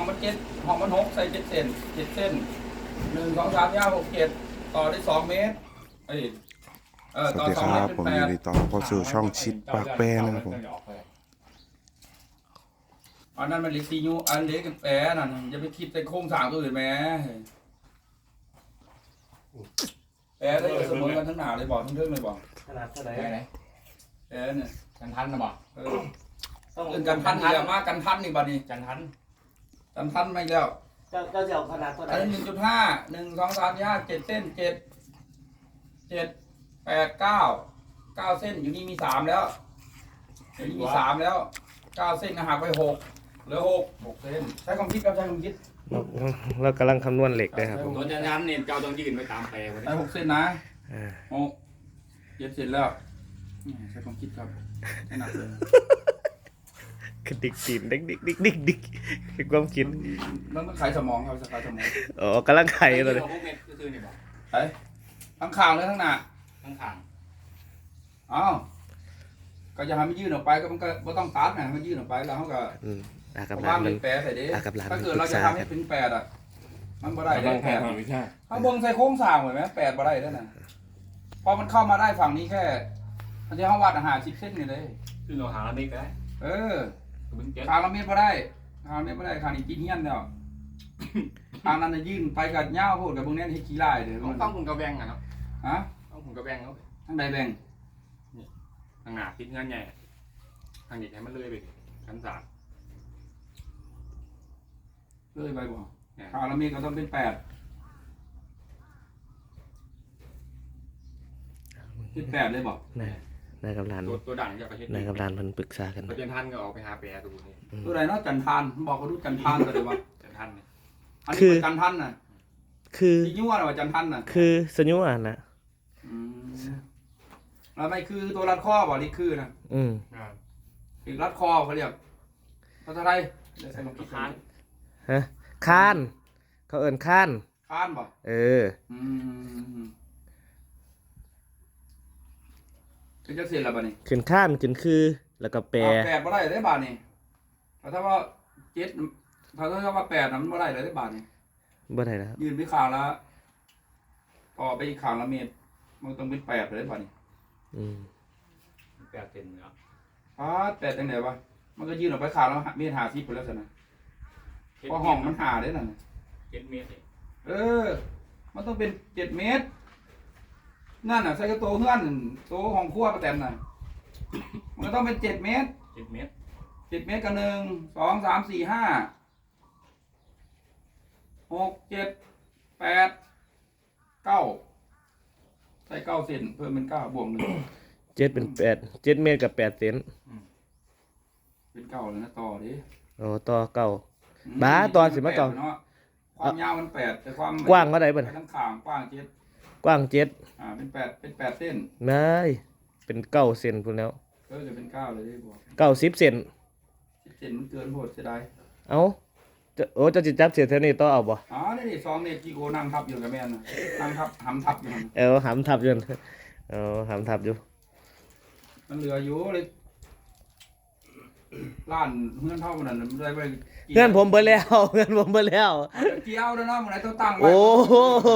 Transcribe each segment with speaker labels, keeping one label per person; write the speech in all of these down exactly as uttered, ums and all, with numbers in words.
Speaker 1: มันเจ็ดห้องมันหกใส่เจ็ดเส้นเจ็ดเส้นหนึ่งสองสามยาวหกเจ็ดต่อได้สองเมตรเอ้ยเออ
Speaker 2: ส
Speaker 1: ต่
Speaker 2: วั
Speaker 1: อ
Speaker 2: สดี
Speaker 1: สอ
Speaker 2: ค
Speaker 1: งเม
Speaker 2: รั
Speaker 1: ตร
Speaker 2: บ
Speaker 1: เป็น
Speaker 2: ผม
Speaker 1: แป
Speaker 2: ยิ
Speaker 1: ด
Speaker 2: นดีต้อนรับเข้าสู่ช่องชิดปากแปรนะครับผม
Speaker 1: อันนั้นมันเล็กซีนูอันเล็กกันแปรนั่นจะไปคิดแต่โครงสร้างตัวอื่นแม่แปรได้เสมอกันทั้งหนาเลยบอกทั้งเรื่องเลยบอก
Speaker 3: ขนาดเท่าไหร่
Speaker 1: แปรไหนแปรเนี่ย
Speaker 4: กันทันนะบอก
Speaker 1: เออเป็นกันทันอีกแล้วมากกันทันอีกบัดนี้
Speaker 4: กันทัน
Speaker 1: กันทันไม่แล้ว
Speaker 3: เจ้าเจ้าจะเอาขนาดเท่าไหร่
Speaker 1: อันนี้หนึ่งจุดห้าหนึ่งสองสามสี่ห้าเจ็ดเส้นเจ็ดเจ็ดแปดเก้าเก้าเส้นอยู่นี่มีสามแล้วอยู่นี่มีสามแล้วเก้าเส้นหักไปหกเหลือหกหกเส้นใช้ความคิดครับใช้ความคิด
Speaker 5: เราเรากำลังคำนวณเหล็กเลยครับผม
Speaker 4: ตัวจะทันเนี่ยเจ้าต้องยืนไปตามแปลวัน
Speaker 1: ใช้
Speaker 4: นี้
Speaker 1: หกเส้นนะ
Speaker 5: อ่า
Speaker 1: หกเจ็ดเสร็จแล้วใช้ความคิดครับให้หนักเลย
Speaker 5: คือดิกตีนดิกดิกดิกดิกดิกคือความคิด
Speaker 1: มันต้องขายสมองครับขายสมอง
Speaker 5: อ๋อกำลังไข่เลย
Speaker 4: พวกเม็ดก็คือนี่บอก
Speaker 1: ไอ้ทั้งข้างเลยทั้งหน้า
Speaker 4: ทั้งทาง
Speaker 1: อ้าวก็จะทำให้ยื่นออกไปก็มันก็ไม่ต้องตัดนะมันยื่นออกไปแล้วเขาก็
Speaker 5: อืมอากับ
Speaker 1: ผม
Speaker 5: ร้า
Speaker 1: ว่าน
Speaker 5: มั
Speaker 1: เป็น นแปรใส่ดิ
Speaker 5: อ่ะกับร้าน
Speaker 1: ถ้าเกิด
Speaker 5: มัน
Speaker 1: เราจะ
Speaker 5: ปรึกษา
Speaker 1: ทำให้ถึงแปดอ่ะ มันบ่ได้
Speaker 4: ต้
Speaker 1: ได้
Speaker 4: อง
Speaker 1: แป
Speaker 4: แพ้
Speaker 1: ด
Speaker 4: ความวิชา
Speaker 1: ถ้าเบิ่งใส่โค้งสร้างเหมือนไหมแปดบ่ได้แล้วนะพอมันเข้ามาได้ฝั่งนี้แค่มันจะห้องวัดอาหารสิบเส้นนี่เลย
Speaker 4: คือเราหาไม่ได้
Speaker 1: เออ
Speaker 4: บึ้งเจ็ด
Speaker 1: ทางละเมตรบ่ได้ทางละเมตรบ่ได้ทางนี้กินเฮี้ยนแล้วทางนั้นจะยื่นไปกับเหย้าโพดกับเบิ่งแน่นให้ขี้ลายเด้อ
Speaker 4: ต้องต้องคุณกระแบงอ่ะเนาะ
Speaker 1: ฮะ
Speaker 4: ต้องคุณกระแบงเขา
Speaker 1: ทางใดแบ่ง
Speaker 4: ทางหน้าคิดงานใหญ่ทางนี้ให้มันเลยไปชั้นสาม
Speaker 1: เลยไปบ่ทางละเมตรก็ต้องเป็นแปดเป็นแปดเลยบ่
Speaker 5: นายนายกับร้าน
Speaker 4: ตัวตัวด่างจะไปเฮ็ด
Speaker 5: นายกับร้านมันปรึกษากัน
Speaker 4: พอเจนทันก็ออกไปหาแปรตัวนี้
Speaker 1: ตัวใดเนาะจันทานบอกเขาดูจันทานก็ได้ว่า
Speaker 4: เจนทันเนี่ย
Speaker 1: อันนี้เป็นจันทันน่ะ
Speaker 5: คือ
Speaker 1: ที่ยั่วน่ะว่าจันทันน่ะ
Speaker 5: คือสญญาณนะ
Speaker 1: อืมแล้วไม่คือตัวรัดข้อบ่นี่คือนะ
Speaker 5: อืม
Speaker 1: อีกรัดคอเขาเรียกภาษาไทยเรียกใส่ลงที่คาน
Speaker 5: ฮะข้านเขาเอิ้นข้าน
Speaker 1: คานบ่
Speaker 5: เออ
Speaker 1: อืมเป็นจังซี่ล่ะบัดนี้
Speaker 5: ขึ้นข้านขึ้นคือแล้วก็แปร
Speaker 1: อ่าแปดบ่ได้ได้บาทนี่แต่ถ้าว่าเจ็ดถ้าถ้าว่าแปดน่ะมันบ่ได้เลยได้บาทนี่
Speaker 5: บ่ได้แล้ว
Speaker 1: ยืนไปข้างละต่อไปอีกข้างละเมตรมันต้องเป็นแปดเลยได้บาทนี่
Speaker 5: อืม
Speaker 4: แปรเต็มเนาะ
Speaker 1: พาดแปดจังได๋วะมันก็ยืนออกไปข้างละเมตรห้าสิบไปแล้วซั่นน่ะเพราะห้องมันหาได้นั่นน่ะ
Speaker 4: เจ็ดเมตร
Speaker 1: เออ มันต้องเป็นเจ็ดเมตร นั่นน่ะใส่กระโตเฮือนโตของครัวประแตนน่ะ มันก็ต้องเป็นเจ็ดเมตร
Speaker 4: เจ็ดเมตร
Speaker 1: เจ็ดเมตรกับหนึ่ง สอง สาม สี่ ห้า หก เจ็ด แปด เก้า ใส่เก้าเซนเพิ่มเป็นเก้าบวกหนึ่ง
Speaker 5: เจ็ดเป็นแปดเจ็ดเมตรกับแปดเซน
Speaker 1: เป็นเก้าเลยนะต่อดิ
Speaker 5: โอ้ต่อเก้า บ้าต่อสิมาต่อ
Speaker 1: เนาะความยาวมันแปดแต่ความ
Speaker 5: กว้างเท่าใดบัด
Speaker 1: ไปทั้งข้างกว้างเจ็ด
Speaker 5: กว้างเจ็ด
Speaker 1: อ่า เป็นแปดเป็นแปดเส้น
Speaker 5: ไม่เป็นเก้าเซนพุ่นแล้ว
Speaker 1: ก็จะเป็นเก้าเลยได้บอก
Speaker 5: เก้าสิบเซน
Speaker 1: สิบเซนมันเกินโหดเสียดาย
Speaker 5: เอ้าจะโอ้เจะจิจับเสียเท่านี้ต่อเอาบ่
Speaker 1: อ๋อนี่ดิซองเนี่ยจีโกนั่งทับอยู่กับแม่นน่ะนั่งทับหำทับอยู่นั่น
Speaker 5: เออหำทับอยู่นั่นเออหำทับอยู่
Speaker 1: มันเหลืออยู่เลยล้านเงื่อนเท่านั้นมันได้ไป
Speaker 5: เงินผมเบิดแล้ว เงินผมเบิดแล้ว
Speaker 1: เอาไปเกี่ยวแล้วเนาะมันไหนต้องตั้งไว้
Speaker 5: โอ้โห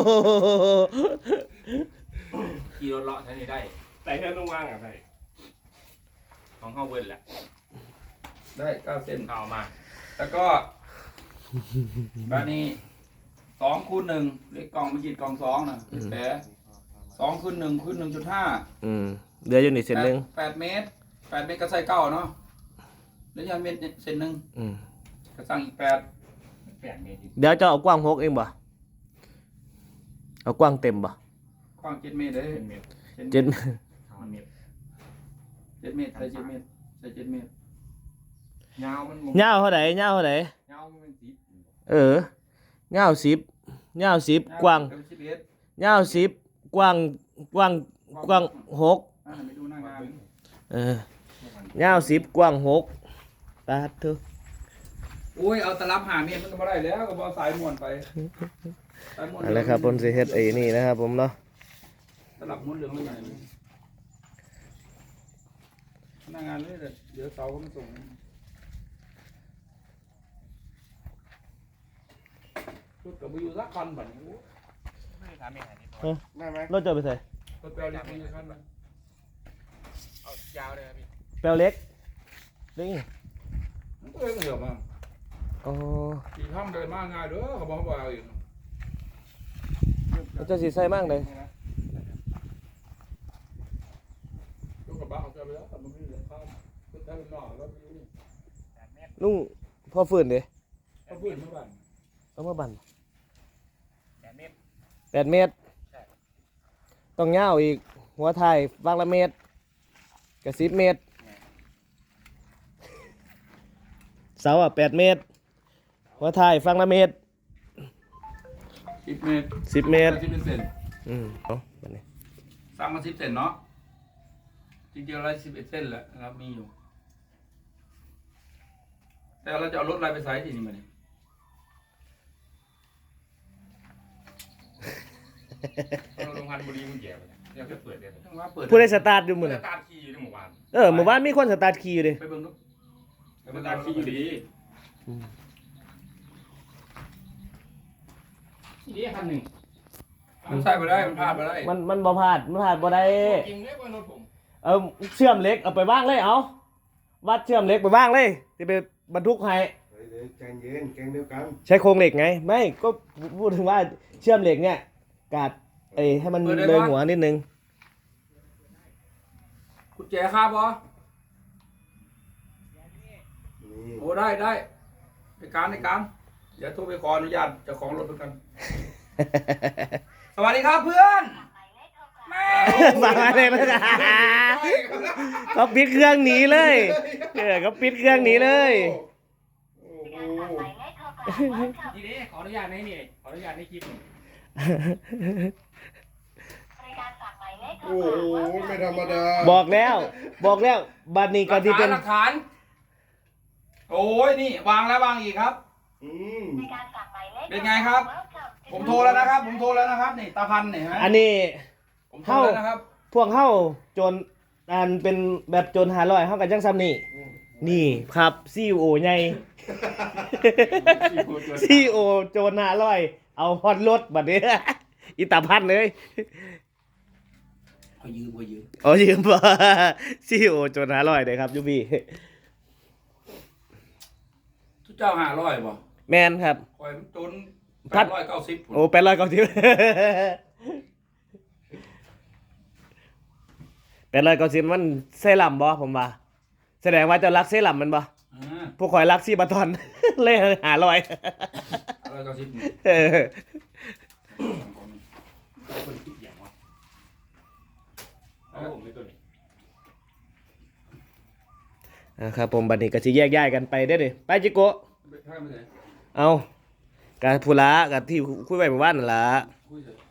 Speaker 4: ขี่รถเลาะท่านี้ได้แต่เพื่อนต้องว่างอ่ะใช่ของเข้าเวิร์ดแหละ
Speaker 1: ได้เก้าเส้น
Speaker 4: เข้ามา
Speaker 1: แล้วก็บ้านนี้สองคูณหนึ่งเลขกล่องมันจีดกล่องสองนะแต่สองคูณหนึ่งคูณหนึ่งจุดห้า
Speaker 5: อืมเหลืออยู่นี่เซนหนึง
Speaker 1: แปดเมตรแปดเมตรก็ใส่เก้าเนาะแล้วยันเมตรเซนหนึ่ง
Speaker 5: อืม
Speaker 1: ก็สั่งอีกแปด
Speaker 4: แปดเมตร
Speaker 5: เดี๋ยวจะเอากว้างหกเองบ่เอากว้างเต็มบ่
Speaker 1: กว้างเจ็ดเมตรเลย
Speaker 4: เจ็ดเมตร
Speaker 5: เจ็ด
Speaker 4: สามเมตร
Speaker 1: เจ็ดเมตรใส่เจ็ดเมตรใส่เจ็ดเมตร
Speaker 4: ยาวมัน
Speaker 5: ยาวเท่าไหร่ยาวเท่าไหร่
Speaker 4: ยาวมันเป็นสี
Speaker 5: เออยาวสิบยาวสิบกว้าง
Speaker 1: เป็นสิบเอ็ด
Speaker 5: ยาวสิบกว้างกว้างกว้างหก
Speaker 1: อ่าไปดูหน้างาน
Speaker 5: เออยาวสิบกว้างหกปาดเถอะ
Speaker 1: โอ้ยเอาตลับหาเมตรมันก็บ่ได้แล้วก็บ่เอาสายม้วนไปสายม้วน
Speaker 5: เอาละครับผมสิเฮ็ดไอ้นี่นะครับผมเนาะ
Speaker 1: ตลับม้วนเหลืองเลยไหนหน้างานเลยเดี๋ยวเสาเขามาส่งรถกับวิวสักคันบัดนี้
Speaker 4: ไม่ได้ถามเองไหน
Speaker 5: ได้ไหมรถจะไปใส่
Speaker 1: รถแปลลิฟต์คันบัด
Speaker 4: เอายาวเลยพี่
Speaker 5: แปลวเล็กนี่
Speaker 1: มันก็เลยเหี่ยวมา
Speaker 5: อ๋อ
Speaker 1: ขี่ข้ามเดินมาง่ายเด้อเขาบอกเขาบอกอยู่
Speaker 5: มันจะสีใส่มากเลย
Speaker 1: รถกระบะเขาจะไปแล้วแต่มันไม่เหลือข้ามรถไถเป็นหน่อแล้ววิวนี่
Speaker 5: ลุงพ่อฝืนเด้
Speaker 1: เขาพื้นเมื่อวัน
Speaker 5: เอามาบัน
Speaker 4: แปดเมตร
Speaker 5: แปดเมตร
Speaker 4: ใช่
Speaker 5: ต้องยาวอีก หัวไทยฟางละเมตรกับสิบเมตร เสาอ่ะแปดเมตร หัวไทยฟางละเมตร
Speaker 1: สิบเมตร
Speaker 5: สิบเมตร
Speaker 1: สิบเซน
Speaker 5: อืมเอาบัดนี้
Speaker 1: สร้างมาสิบเซนเนาะจริงๆเราสิบเอ็ดเส้นแหละนะครับมีอยู่ แต่เราจะเอารถอะไรไปใส่ที่นี่มาเนี่ย
Speaker 4: เราลงพันบุรีมึงแย่ไปเนี่ยเปิดเลย
Speaker 1: ต้องว่าเปิด
Speaker 5: ผู้ได้สตาร์ทอยู่มือ
Speaker 4: เปิด
Speaker 5: น่ะ
Speaker 4: ตาขี่อยู่ในหมู่บ้าน
Speaker 5: เออหมู่บ้านมีคนสตาร์ทขี่อยู่ดิ
Speaker 1: ไปเบิ่งดู
Speaker 4: เปิดตาขี่อยู่ดี
Speaker 5: อืม
Speaker 4: นี่คันหนึ่ง
Speaker 1: มันใส่ไปได้มันพลาดไปได้
Speaker 5: มันมันบ่พลาดมันพลาดบ่ได้
Speaker 4: จริงเลยว่ารถผม
Speaker 5: เออเชื่อมเหล็กเอาไปว่างเลยเอาวัดเชื่อมเหล็กไปว่างเลยจะไปบรรทุกให้
Speaker 2: ใจเย็นแกงเดียวกัน
Speaker 5: ใช้โครงเหล็กไง ไม่ก็พูดถึงว่าเชื่อมเหล็กเนี่ยกาดไอ้ให้มันเลยหัวนิดนึง
Speaker 1: กุญแจคาบอ
Speaker 2: นี่
Speaker 1: โอ้ได้ได้ในการในการเดี๋ยวโทรไปขออนุญาตเจ้าของรถด้วยกัน สวัสดีครับเพื่อนแม่
Speaker 5: ฝากไว้เลยนะเขาปิดเครื่องหนีเลยเออเขาปิดเครื่องหนีเลย
Speaker 2: โอ้โห
Speaker 4: ทีนี้ขออนุญาตให้นี่ขออนุญาตให้คลิป
Speaker 2: โอ้โหไม่ธรรมดา
Speaker 5: บอกแล้ว บอกแล้วบัดนี้
Speaker 1: ห
Speaker 5: ก็
Speaker 1: ลัก
Speaker 5: ที่
Speaker 1: ฐา
Speaker 5: เป็น น
Speaker 1: หลักฐาน โอ้ยนี่วางแล้ววางอีกครับ
Speaker 2: อืม
Speaker 1: เป็นไงครับ ผมโทรแล้วนะครับ ผมโทรแล้วนะครับนี่ตาพันนี่เห็นไหม
Speaker 5: อันนี้
Speaker 1: ผมโทรแล้วนะครับ
Speaker 5: พวกเข้าโจรอันเป็นแบบโจรหาลอยเข้ากันจังซ้ำนี่ นี่ครับซีโอใหญ่ ซีโอโจรหาลอย เอาฮอตรถบัดนี้ อิตาพันเลย
Speaker 1: เอายืมเอายืม
Speaker 5: เอายืมบ่ ซีโอโจรหาลอยเลยครับยูบี
Speaker 1: ทุกเจ้าห้าร้อยบ่
Speaker 5: แมนครับ
Speaker 1: คอยมันจน
Speaker 5: พั
Speaker 1: แป
Speaker 5: ด
Speaker 1: ดร้อยเก้าสิบ
Speaker 5: โอ้แปดร้อยเก้าสิบ แปดร้อยเก้าสิบมันเซรั่มบ่ผมว่า แสดงว่าเจะรักเซรั่มมันบ่
Speaker 1: อ่า
Speaker 5: พวกข่อยรักซีบาทอน เลยหาลอย
Speaker 1: ร้อยเก้าสิบ
Speaker 5: เออ
Speaker 4: คนคิดอย่างวะเอาผมในตัวนี้
Speaker 5: นะครับผมบัดนี้ก็สิแยกย้ายกันไปได้อดิไปจิโกะ
Speaker 1: ถ้าไม่ได้
Speaker 5: เอาการพูละกับที่คุยไว้เมื่อวานนั่นล่ะ
Speaker 1: คุยเถอะ